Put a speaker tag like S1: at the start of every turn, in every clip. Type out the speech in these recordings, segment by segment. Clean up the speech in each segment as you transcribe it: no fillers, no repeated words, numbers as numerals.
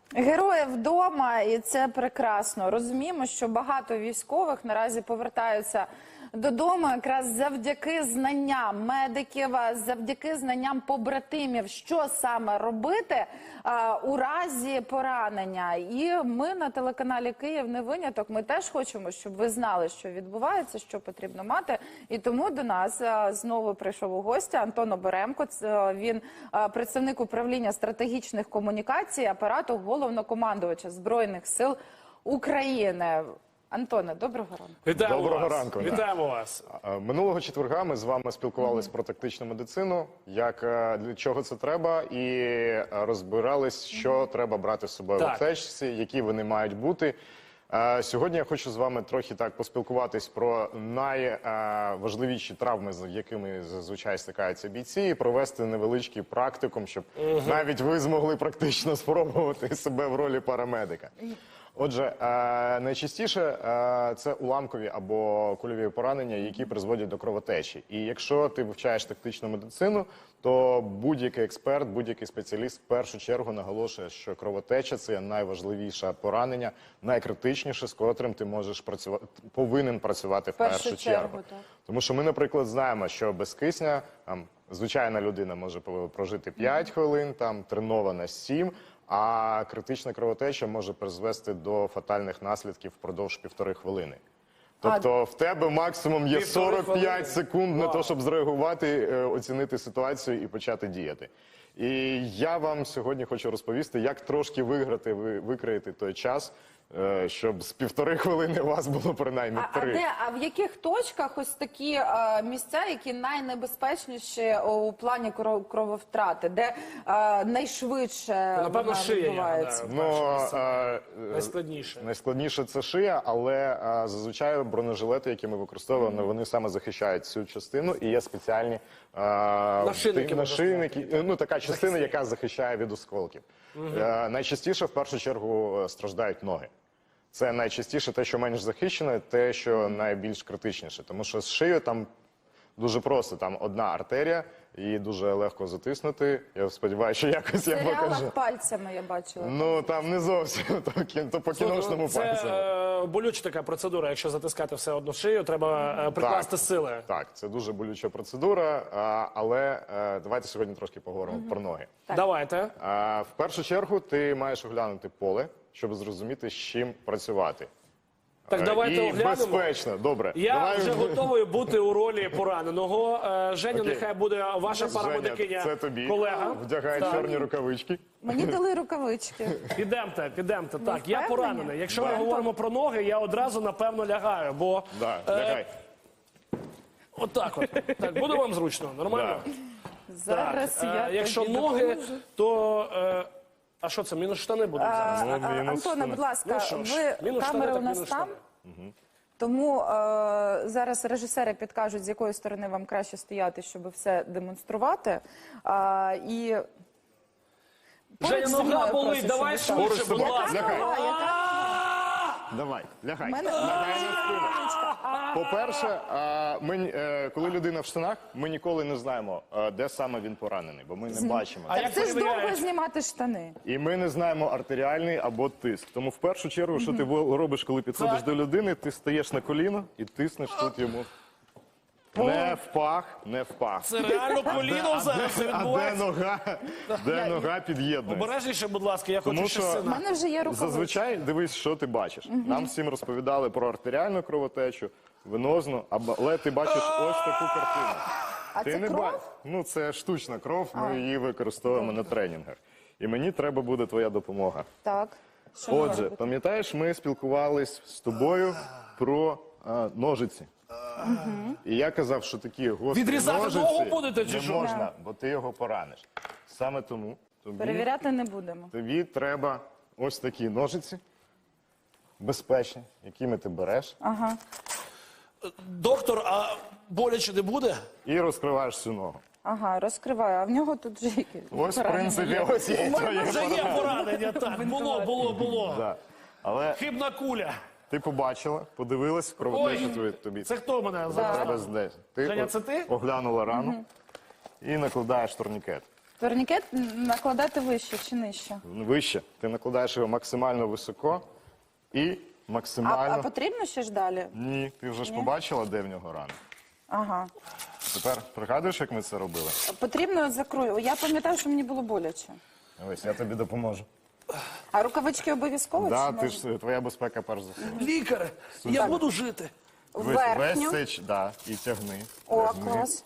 S1: Герої вдома, і це прекрасно. Розуміємо, що багато військових наразі повертаються додому якраз завдяки знанням медиків, завдяки знанням побратимів, що саме робити у разі поранення. І ми на телеканалі «Київ не виняток». Ми теж хочемо, щоб ви знали, що відбувається, що потрібно мати. І тому до нас знову прийшов у гості Антон Оберемко. Він представник управління стратегічних комунікацій апарату головнокомандувача Збройних сил України. Антоне, доброго ранку.
S2: Вітаємо
S3: Доброго
S2: вас.
S3: ранку.
S2: Вітаємо вас.
S3: Минулого четверга ми з вами спілкувалися про тактичну медицину, для чого це треба, і розбирались, що треба брати з собою в аптечці, які вони мають бути. Сьогодні я хочу з вами трохи так поспілкуватись про найважливіші травми, з якими зазвичай стикаються бійці, і провести невеличкий практикум, щоб навіть ви змогли практично спробувати себе в ролі парамедика. Отже, найчастіше це уламкові або кульові поранення, які призводять до кровотечі. І якщо ти вивчаєш тактичну медицину, то будь-який експерт, будь-який спеціаліст в першу чергу наголошує, що кровотеча – це найважливіше поранення, найкритичніше, з котрим ти можеш повинен працювати в першу чергу. Тому що ми, наприклад, знаємо, що без кисня звичайна людина може прожити 5 хвилин, тренована 7, а критична кровотеча може призвести до фатальних наслідків впродовж 1,5 хвилини. Тобто в тебе максимум є 45 секунд на те, щоб зреагувати, оцінити ситуацію і почати діяти. І я вам сьогодні хочу розповісти, як трошки викроїти той час, щоб з 1,5 хвилини у вас було принаймні 3.
S1: А в яких точках ось такі місця, які найнебезпечніші у плані крововтрати, де найшвидше
S2: Напевно, шия,
S1: відбувається?
S2: Найскладніше.
S3: Найскладніше це шия, але зазвичай бронежилети, які ми використовуємо, вони саме захищають цю частину, і є спеціальні нашийники, така частина, яка захищає від осколків. Найчастіше, в першу чергу, страждають ноги. Це найчастіше те, що менш захищено, те, що найбільш критичніше. Тому що з шиєю там дуже просто, там одна артерія, її дуже легко затиснути. Я сподіваюся, що якось я покажу.
S1: В серіалах пальцями я бачила.
S3: Ну, там не зовсім, то по кіношному пальцями.
S2: Це болюча така процедура, якщо затискати все одно шию, треба прикласти сили.
S3: Так, це дуже болюча процедура, але давайте сьогодні трошки поговоримо про ноги.
S2: Давайте.
S3: В першу чергу ти маєш оглянути поле, щоб зрозуміти, з чим працювати.
S2: Так, давайте оглянемо.
S3: Безпечно, добре.
S2: Я вже готовий бути у ролі пораненого. Женя, нехай буде ваша парамедикиня,
S3: це тобі.
S2: колега.
S3: Вдягай чорні рукавички.
S1: Мені дали рукавички.
S2: Підемте. Так, я поранений. Якщо ми говоримо про ноги, я одразу, напевно, лягаю, бо...
S3: Лягай.
S2: Отак от. Так, буде вам зручно? Нормально?
S1: Зараз я
S2: якщо
S1: тобі
S2: ноги,
S1: допоможу.
S2: то... А що це, мінус штани будуть зараз?
S1: Антоне, будь ласка,
S2: мінус
S1: камери
S2: штани,
S1: у нас
S2: мінус
S1: там,
S2: штани.
S1: тому зараз режисери підкажуть, з якої сторони вам краще стояти, щоб все демонструвати. І
S2: Женя, нога болить, давай швидше, будь ласка.
S3: Давай, лягай. Лягай на спину. По-перше, коли людина в штанах, ми ніколи не знаємо, де саме він поранений, бо ми не бачимо.
S1: так це ж довго знімати штани.
S3: І ми не знаємо артеріальний або тиск. Тому в першу чергу, що ти робиш, коли підходиш до людини, ти стаєш на коліно і тиснеш тут йому. Не в пах.
S2: Це реально коліно зараз відбувається.
S3: Де нога під'єднується.
S2: Обережніше, будь ласка, я хочу ще
S1: У
S2: сина.
S1: мене вже є рукавички.
S3: Зазвичай дивись, що ти бачиш. Нам всім розповідали про артеріальну кровотечу, венозну, але ти бачиш ось таку картину.
S1: А це кров?
S3: Ну, це штучна кров, ми її використовуємо на тренінгах. І мені треба буде твоя допомога.
S1: Так. Що ми
S3: Отже,
S1: робимо?
S3: пам'ятаєш, ми спілкувались з тобою про ножиці. І я казав, що такі гострі
S2: Відрізати
S3: ножиці
S2: ногу будете чи
S3: не
S2: що?
S3: можна, бо ти його пораниш. Саме тому
S1: Перевіряти не будемо.
S3: тобі треба ось такі ножиці, безпечні, якими ти береш,
S1: Ага.
S2: Доктор, а боляче не буде?
S3: і розкриваєш цю ногу.
S1: Ага, розкриваю. А в нього тут вже які?
S3: Ось, в принципі, ось є твоє
S2: Вже є поранення, так. Було.
S3: Да. Але
S2: Хибна куля.
S3: ти побачила, подивилась, кровотечу тобі.
S2: Це хто мене зараз?
S3: Треба здесь.
S2: Женя, це ти?
S3: Оглянула рану і накладаєш турнікет.
S1: Турнікет накладати вище чи нижче?
S3: Вище. Ти накладаєш його максимально високо і максимально...
S1: А потрібно ще ж далі?
S3: Ні, ти вже ж побачила, де в нього рана.
S1: Ага.
S3: Тепер пригадуєш, як ми це робили?
S1: Потрібно закрою. Я пам'ятаю, що мені було боляче.
S3: Ось, я тобі допоможу.
S1: А рукавички обов'язково?
S3: Да,
S1: чи
S3: ти
S1: можна?
S3: ж, твоя безпека перш за все.
S2: Лікар, я буду жити.
S1: Верхню.
S3: Весь да, і тягни.
S1: О,
S3: Тягни.
S1: клас.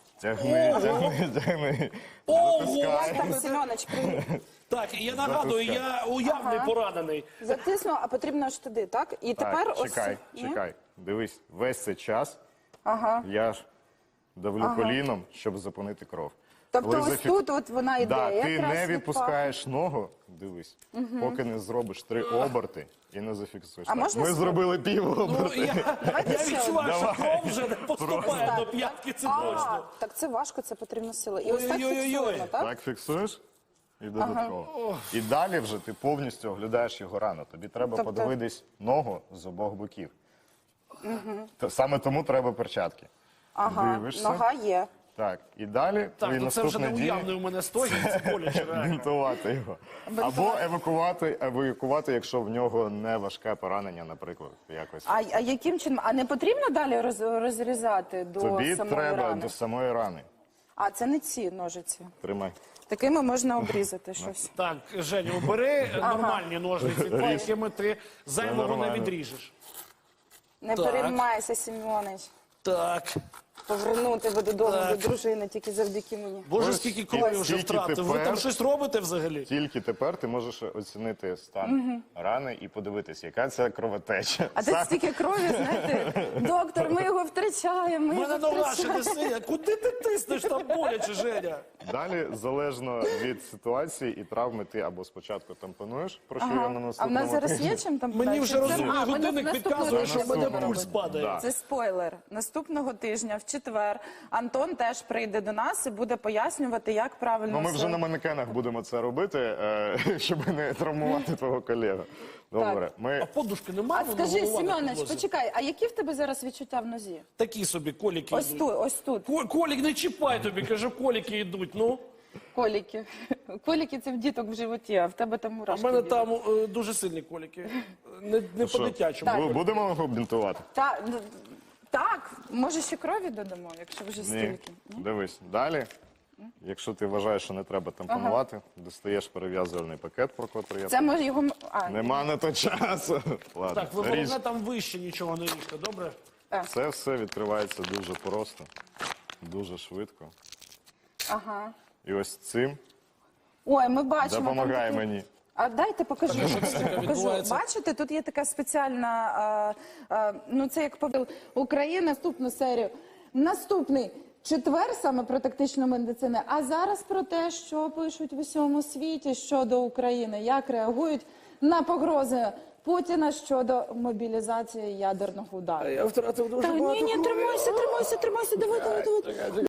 S3: Тягни.
S2: Ого!
S1: Як там, Семенович, привіт.
S2: Так, я нагадую, я уявний поранений.
S1: Затисну, а потрібно аж туди, так? І тепер
S3: Так,
S1: ось...
S3: чекай,
S1: Ні?
S3: чекай. Дивись, весь цей час
S1: Ага.
S3: я ж давлю коліном, щоб зупинити кров.
S1: Тобто
S3: Коли
S1: ось тут от вона йде.
S3: Да, ти
S1: якраз
S3: не
S1: від
S3: відпускаєш ногу, дивись, поки не зробиш 3 оберти і не зафіксуєш.
S1: А
S3: Так,
S1: можна
S3: ми
S1: спро-
S3: зробили
S2: Ну,
S3: півоберти.
S2: я
S1: ще
S2: відчуваю, що
S3: Давай.
S2: кров вже не поступає
S1: Так,
S2: до п'ятки, це
S1: А,
S2: точно.
S1: так це важко, це потрібна сила. І ось так
S2: Ой-ой-ой-ой.
S1: фіксуємо, так?
S3: Так фіксуєш і додатково. І далі вже ти повністю оглядаєш його рану. Тобі треба
S1: Тобто-
S3: подивитись ногу з обох боків. Саме тому треба перчатки.
S1: Ага,
S3: Дивишся.
S1: нога є.
S3: Так, і далі
S2: Так,
S3: твої
S2: ну це вже не
S3: наступні дії
S2: уявний у мене стоїть, це боляче реально.
S3: бінтувати його. Або евакуювати, якщо в нього не важке поранення, наприклад, якось.
S1: А яким чином? А не потрібно далі розрізати до
S3: Тобі
S1: самої
S3: треба
S1: рани?
S3: до самої рани.
S1: А, це не ці ножиці.
S3: Тримай.
S1: Такими можна обрізати щось.
S2: Так, Женя, бери нормальні ножниці, ті, якими ти зайвого не
S3: нормально.
S2: відріжеш.
S1: Не
S2: Так.
S1: переймайся, Сімеонич.
S2: Так.
S1: Повернути ви додому
S2: Так.
S1: до дружини тільки завдяки мені.
S2: Боже,
S3: Ось
S2: скільки
S3: і
S2: крові вже
S3: тільки
S2: втратив. Ви
S3: тепер-
S2: там щось робите взагалі?
S3: Тільки тепер ти можеш оцінити стан рани і подивитись, яка це кровотеча.
S1: А тут стільки крові, знаєте, доктор, ми його втрачаємо, ми
S2: У мене
S1: його
S2: нога ще не
S1: втрачаємо.
S2: синя. Куди ти тиснеш там боляче, Женя?
S3: Далі, залежно від ситуації і травми, ти або спочатку тампонуєш, про що я на
S1: А в
S3: наступному
S1: нас зараз
S3: тижні.
S1: є чим там
S2: Мені вже розумний
S1: ми
S2: годинник
S1: наступного
S2: підказує, що в
S1: тижня
S2: мене
S1: будемо
S2: пульс
S1: робити.
S2: падає.
S3: Да.
S1: Це спойлер. Наступного тижня, в четвер, Антон теж прийде до нас і буде пояснювати, як правильно
S3: Ну, ми
S1: все.
S3: вже на манекенах будемо це робити, щоб не травмувати твого колегу. Добре,
S2: А
S3: ми
S2: подушки немає?
S1: А скажи, Семенович, почекай, а які в тебе зараз відчуття в нозі?
S2: Такі собі коліки
S1: Ось
S2: йдуть.
S1: тут, ось тут.
S2: Колік, не чіпай тобі, кажу, коліки йдуть, ну.
S1: Коліки. Коліки це в діток в животі, а в тебе там
S2: А в
S1: мурашки.
S2: мене
S1: бігають.
S2: там дуже сильні коліки. Не
S3: що,
S2: по-дитячому.
S3: будемо його бінтувати?
S1: Так, може ще крові додамо, якщо вже
S3: Ні.
S1: стільки. Ні?
S3: Дивись, далі. Якщо ти вважаєш, що не треба тампонувати, достаєш перев'язувальний пакет, про котрий я
S1: Це може його... А,
S3: Нема на то часу. Ладно,
S2: Так, ви
S3: ріж.
S2: головне там вище нічого не ріжте, добре?
S3: Це все відкривається дуже просто, дуже швидко.
S1: ага.
S3: І ось цим
S1: Ой, ми бачимо. там
S3: допомагає
S1: такий-
S3: мені.
S1: А дайте покажу. Покажу.
S2: відбувається?
S1: Бачите, тут є така спеціальна, ну це як повел Україна, наступну серію. Наступний четвер саме про тактичну медицину, а зараз про те, що пишуть в усьому світі щодо України, як реагують на погрози Путіна щодо мобілізації ядерного удару.
S2: Я втратив дуже
S1: Та ні, тримайся, давай.